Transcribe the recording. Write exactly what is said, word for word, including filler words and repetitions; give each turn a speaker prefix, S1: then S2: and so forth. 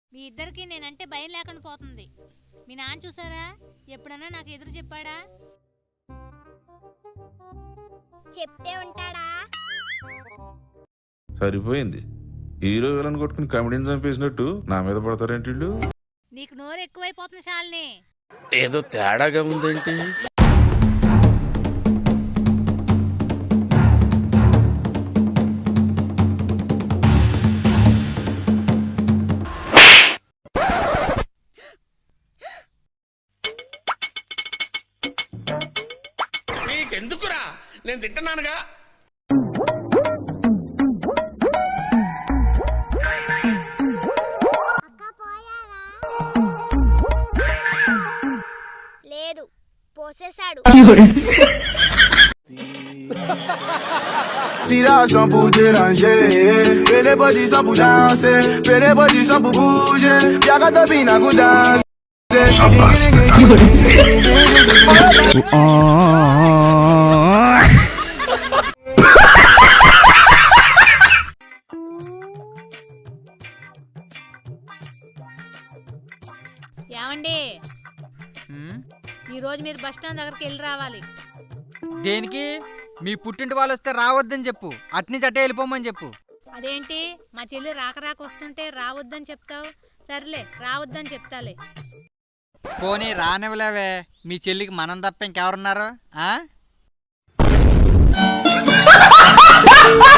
S1: మీ ఇద్దరికి నేనంటే భయం లేకుండా పోతుంది. మీ నాన్న చూసారా? ఎప్పుడన్నా నాకు ఎదురు చెప్పాడా?
S2: చెప్తే ఉంటాడా?
S3: సరిపోయింది. హీరో విలన్ కొట్టుకుని కామెడీని చంపేసినట్టు నా మీద పడతారేంటి వీళ్ళు?
S1: నీకు నోరు ఎక్కువైపోతుంది శాలిని.
S4: ఏదో తేడాగా ఉందేంటి?
S5: నీకెందుకురా, నేను తింటున్నానుగా.
S2: లేదు, పోసేశాడు.
S6: Tiração pour déranger, pele body só pour danser, pele body só pour bouger, viaga da bina com danser.
S1: ఏమండి, ఈ రోజు మీరు బస్ స్టాండ్ దగ్గరికి వెళ్ళి రావాలి.
S7: దేనికి? మీ పుట్టింటి వాళ్ళు వస్తే రావద్దని చెప్పు, అట్నుంచి అట్టే వెళ్ళిపోమని చెప్పు.
S1: అదేంటి, మా చెల్లి రాక రాక వస్తుంటే రావద్దని చెప్తావు? సర్లే, రావద్దని చెప్తాలే.
S7: పోనీ రానివ్వలేవే, మీ చెల్లికి మనం తప్ప ఇంకెవరున్నారు? ఆ